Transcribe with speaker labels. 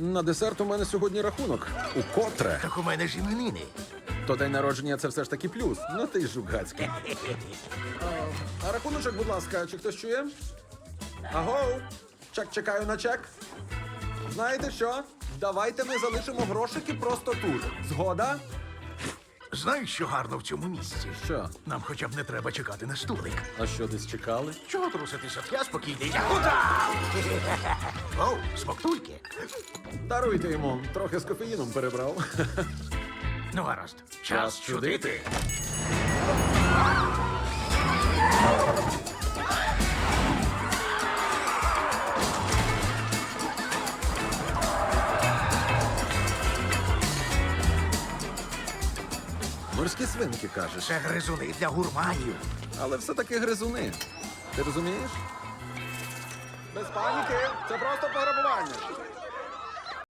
Speaker 1: На десерт у мене сьогодні рахунок. Укотре.
Speaker 2: Так у мене ж іменини.
Speaker 1: То день народження це все ж таки плюс. Ну ти ж жугацький. А рахуночок, будь ласка, чи хтось чує? Агоу! Чекаю на чек. Знаєте що? Давайте ми залишимо грошики просто тут. Згода?
Speaker 2: Знаєш, що гарно в цьому місці?
Speaker 1: Що?
Speaker 2: Нам хоча б не треба чекати на столик.
Speaker 1: А що, десь чекали?
Speaker 2: Чого труситися? Я спокійний. Я удав! Оу, смоктульки.
Speaker 1: Даруйте йому, трохи з кофеїном перебрав.
Speaker 2: Ну, гаразд. Час чудити.
Speaker 1: Морські свинки, кажеш.
Speaker 2: Це гризуни для гурманів.
Speaker 1: Але все-таки гризуни. Ти розумієш? Без паніки, це просто пограбування.